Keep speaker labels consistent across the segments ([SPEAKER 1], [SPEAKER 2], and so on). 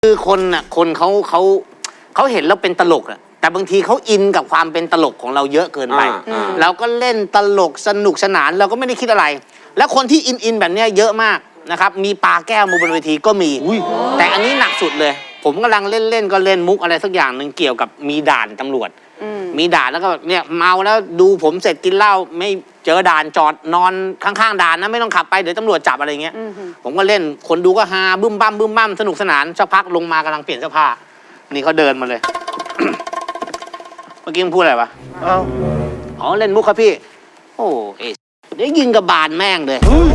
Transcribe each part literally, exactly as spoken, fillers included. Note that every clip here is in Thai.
[SPEAKER 1] คือคนน่ะคนเขาเขาเขาเห็นแล้วเป็นตลกอะแต่บางทีเขาอินกับความเป็นตลกของเราเยอะเกินไปเราก็เล่นตลกสนุกสนานเราก็ไม่ได้คิดอะไรแล้วคนที่อินอินแบบนี้เยอะมากนะครับมีปาแก้วมาบนเวทีก็มีแต่อันนี้หนักสุดเลยผมกำลังเล่นเล่นก็เล่นมุกอะไรสักอย่างหนึ่งเกี่ยวกับมีด่านตำรวจมีด่านแล้วก็เนี่ยเมาแล้วดูผมเสร็จกินเหล้าไม่เจอด่านจอดนอนข้างๆด่านนะไม่ต้องขับไปเดี๋ยวตำรวจจับอะไรเงี้ยผมก็เล่นคนดูก็ฮาบึ้มบั้มบึ้มบั้มสนุกสนานสักพักลงมากำลังเปลี่ยนเสื้อผ้านี่เขาเดินมาเลย เมื่อกี้มึงพูดอะไรวะอ้าวอ๋อเล่นมุกครับพี่โอ้เอ๊ะเดี๋ยวยิงกับบานแม่งเลย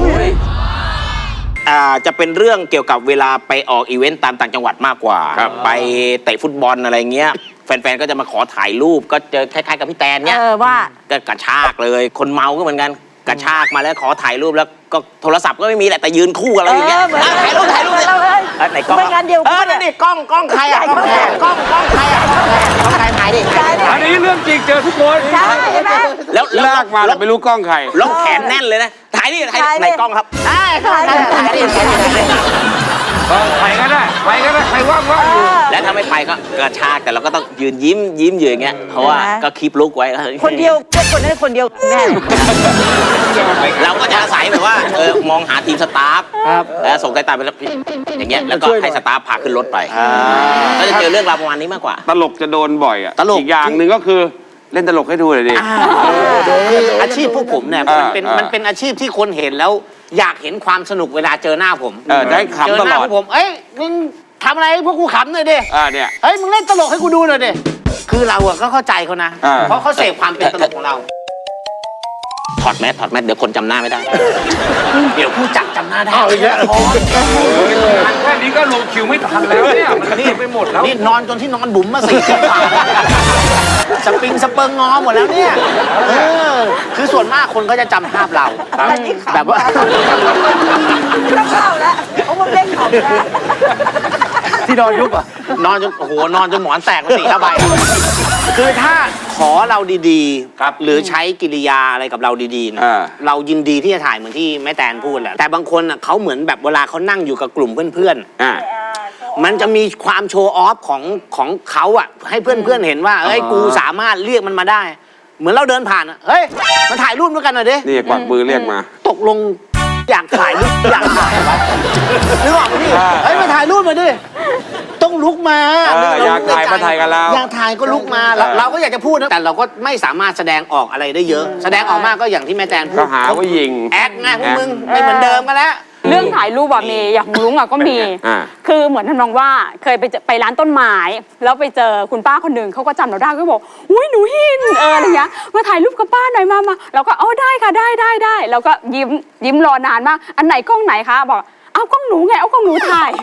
[SPEAKER 2] อ่าจะเป็นเรื่องเกี่ยวกับเวลาไปออกอีเวนต์ตามต่างจังหวัดมากกว่าไปเตะฟุตบอลอะไรเงี้ยแฟนๆก็จะมาขอถ่ายรูปก็เจอคล้ายๆกับพี่แตนเนี้ยว่าก็กระชากเลยคนเมาก็เหมือนกันกระชากมาแล้วขอถ่ายรูปแล้วก็โทรศัพท์ก็ไม่มีแหละแต่ยืนคู่กับเราอย่างเงี้ยถ่ายรูปถ่ายรูปเลยไหนกล้อง
[SPEAKER 3] เป็นงานเดียวกัน
[SPEAKER 2] เออนี่กล้องกล้องใครอ่ะกล้องกล้องกล้องใครอ่ะกล้องใครถ่ายดิ
[SPEAKER 4] อันนี้เรื่องจริงเจอทุกคน
[SPEAKER 3] ใช่ไหม
[SPEAKER 2] แล้ว
[SPEAKER 4] ลากมาแต่ไม่รู้กล้องใคร
[SPEAKER 2] ล็อกแขนแน่นเลยนะถ่ายดิถ่ายไหนกล้องครับ
[SPEAKER 3] ถ่ายถ่ายถ่ายดิ
[SPEAKER 4] ใครก็ได้ใครก็ได้ใครว่างว่างอยู่
[SPEAKER 2] แล้วถ้าไม่ไปก็กระชากแต่เราก็ต้องยืนยิ้มยิ้มอยู่อย่างเงี้ยเพราะว่าก็คีปลุกไว้
[SPEAKER 3] คนเดียวคนนั้นคนเดียวแน่
[SPEAKER 2] เราก็จะอาศัยแบบว่าเออมองหาทีมสตาฟแล้วส่งสายตาไปแล้วอย่างเงี้ยแล้วก็ให้สตาฟพาขึ้นรถไปก็จะเจอเรื่องราวประมาณนี้มากกว่า
[SPEAKER 4] ตลกจะโดนบ่อยอ่ะ
[SPEAKER 1] ตลก
[SPEAKER 4] อีกอย่างหนึ่งก็คือเล่นตลกให้ดูเลยดิ
[SPEAKER 1] คืออาชีพพวกผมเนี่ยมันเป็นมันเป็นอาชีพที่คนเห็นแล้วอยากเห็นความสนุกเวลาเจอหน้าผม
[SPEAKER 4] เออได้ขำตลอด
[SPEAKER 1] ผมเอ้ยมึงทำอะไรพวกกูขำหน่อยดิ
[SPEAKER 4] อ่าเนี่ย
[SPEAKER 1] เฮ้ยมึงเล่นตลกให้กูดูหน่อยดิคือเราอะก็เข้าใจเขานะเพราะเขาเสพความเป็นตลกของเรา
[SPEAKER 2] ถอดแมสถอดแมสเดี๋ยวคนจำหน้าไม่ได้เดี๋ยวผู้จัดจำหน้าได้
[SPEAKER 4] เอาอีกแล้วแค่นี้ก็ลงคิวไม่ทันแล้วเนี่ยมันนี่ไปหมดแล้ว
[SPEAKER 1] นี่นอนจนที่นอนบุ๋มมาสี่ชั่วโมงสปริงสเปิงงอหมดแล้วเนี่ยเออคือส่วนมากคนก็จะจำภาพเราแบบว่า
[SPEAKER 3] ต้องเข้าแล้วโอ้มันเล่นของแล้ว
[SPEAKER 1] ที่นอนยุบอ่ะนอนจนโอ้โหนอนจนหมอนแตกไปสี่ห้าใบคือถ้าขอเราดีๆหรือใช้กิริยาอะไรกับเราดีๆนะเรายินดีที่จะถ่ายเหมือนที่แม่แตนพูดแหละแต่บางคนอ่ะเขาเหมือนแบบเวลาเขานั่งอยู่กับกลุ่มเพื่อนๆมันจะมีความโชว์ออฟของของเขาอ่ะให้เพื่อนๆเห็นว่าเฮ้ยกูสามารถเรียกมันมาได้เหมือนเราเดินผ่านอ่ะเฮ้ยมาถ่ายรูปด้วยกันหน่อยดิ
[SPEAKER 4] นี่กวักมือเรียกมา
[SPEAKER 1] ตกลงอยากถ่ายรูปอยากถ่ายไว้นึกออกไหมพี่เฮ้ยมาถ่ายรูปมาดิต้องลุกมา
[SPEAKER 4] อยากถ่ายมาถ่ายกันแล้ว
[SPEAKER 1] อยากถ่ายก็ลุกมาเราก็อยากจะพูดนะแต่เราก็ไม่สามารถแสดงออกอะไรได้เยอะแสดงออกมากก็อย่างที่แม่แตนพูด
[SPEAKER 4] ก็หาว่ายิง
[SPEAKER 1] แอคไงพวกมึงไม่เหมือนเดิมกันแล้ว
[SPEAKER 5] เรื่องถ่ายรูปแบบมีอย่างลุงอ่ะก็มีคือเหมือนทำนองว่าเคยไปไปร้านต้นไม้แล้วไปเจอคุณป้าคนหนึ่งเขาก็จำเราได้ก็บอกอุ้ยหนูหินเอออะไรเงี้ยมาถ่ายรูปกับป้าหน่อยมามาเราก็อ๋อได้ค่ะได้ได้ได้แล้วก็ยิ้มยิ้มรอนานมากอันไหนกล้องไหนคะบอกเอากล้องหนูไงเอากล้องหนูถ่าย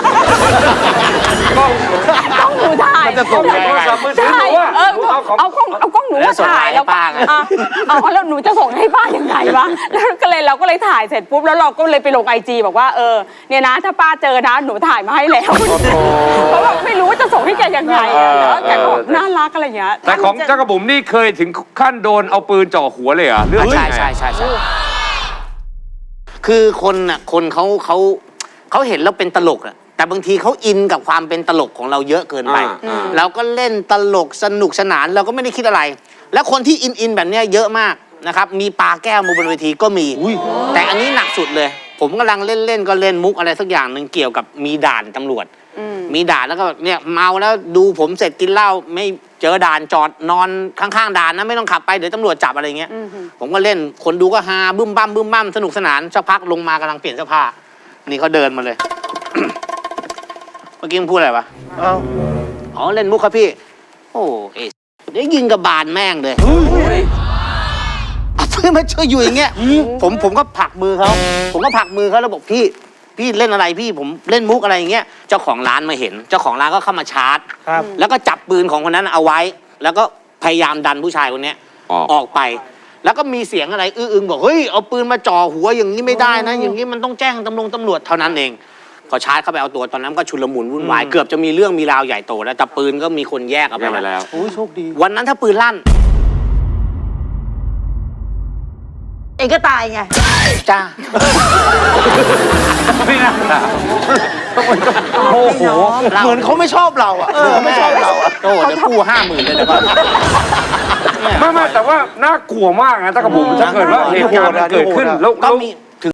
[SPEAKER 5] กล้องหนูถ่าย
[SPEAKER 4] จะส่งยังไง
[SPEAKER 5] ใช่เออเอากล้องเอากล้องหนูมาถ่ายแล้วป้าเอาแล้วหนูจะส่งให้ป้ายังไงวะแล้วก็เลยเราก็เลยถ่ายเสร็จปุ๊บแล้วเราก็เลยไปลงไอจีบอกว่าเออเนี่ยนะถ้าป้าเจอนะหนูถ่ายมาให้แล้วเพราะว่าไม่รู้ว่าจะส่งให้แกยังไงแล้วแกก็น่ารักอะไรอย่างเงี้ย
[SPEAKER 4] แต่ของเจ้ากระบุ๋มนี่เคยถึงขั้นโดนเอาปืนจ่อหัวเลยเหรอเรื่อง
[SPEAKER 1] ใช่ใช่ใช่ใช่คือคนน่ะคนเขาเขาเขาเห็นแล้วเป็นตลกอะแต่บางทีเขาอินกับความเป็นตลกของเราเยอะเกินไปเราก็เล่นตลกสนุกสนานเราก็ไม่ได้คิดอะไรแล้วคนที่อินอินแบบนี้เยอะมากนะครับมีปาแก้วมาบนเวทีก็มีแต่อันนี้หนักสุดเลยผมกำลังเล่นเล่นก็เล่นมุกอะไรสักอย่างหนึ่งเกี่ยวกับมีด่านตำรวจมีด่านแล้วก็เนี่ยเมาแล้วดูผมเสร็จกินเหล้าไม่เจอด่านจอดนอนข้างๆด่านนะไม่ต้องขับไปเดี๋ยวตำรวจจับอะไรเงี้ยผมก็เล่นคนดูก็ฮาบึ้มบั้มบึ้มบั้มสนุกสนานสักพักลงมากำลังเปลี่ยนเสื้อผ้านี่เขาเดินมาเลย เมื่อกี้มึงพูดอะไรวะอ้าวอ๋อเล่นมุกครับพี่โอ้เอ๊ะเดี๋ยวยิงกับบานแม่งเลยเพื่อนมาช่วยอยู่อย่างเงี้ยผมผมก็ผลักมือเขาผมก็ผลักมือเขาแล้วบอกพี่พี่เล่นอะไรพี่ผมเล่นมุกอะไรอย่างเงี้ยเจ้าของร้านมาเห็นเจ้าของร้านก็เข้ามาชาร์จแล้วก็จับปืนของคนนั้นเอาไว้แล้วก็พยายามดันผู้ชายคนนี้ออกไปแล้วก็มีเสียงอะไรอื้ออึงบอกเฮ้ยเอาปืนมาจ่อหัวอย่างนี้ไม่ได้นะอย่างนี้มันต้องแจ้งตำรวจตำรวจเท่านั้นเองพอชาร์จเข้าไปเอาตัวตอนนั้นก็ชุลมุนวุ่นวายเกือบจะมีเรื่องมีราวใหญ่โตแล้วแต่ปืนก็มีคนแยกเอาไปแล้วโอ้ยโชคดีวันนั้นถ้าปืนลั่น
[SPEAKER 3] เองก็ตายไง
[SPEAKER 1] จ้า
[SPEAKER 4] ไม่น่าโอ้โห
[SPEAKER 1] เหมือนเขาไม่ชอบเราอ่ะเขาไม่ชอบเราอ่ะโอ้เดี๋ยวกู้ห้าหมื่นเลยเดี๋ยวก่อน
[SPEAKER 4] ไม่ไม่แต่ว่าน่ากลัวมากนะตะกระบุ๋มถ้าเกิดว่าเหตุการณ์มันเกิดขึ้นแล้ว
[SPEAKER 1] ก็
[SPEAKER 4] แล้ว
[SPEAKER 1] มี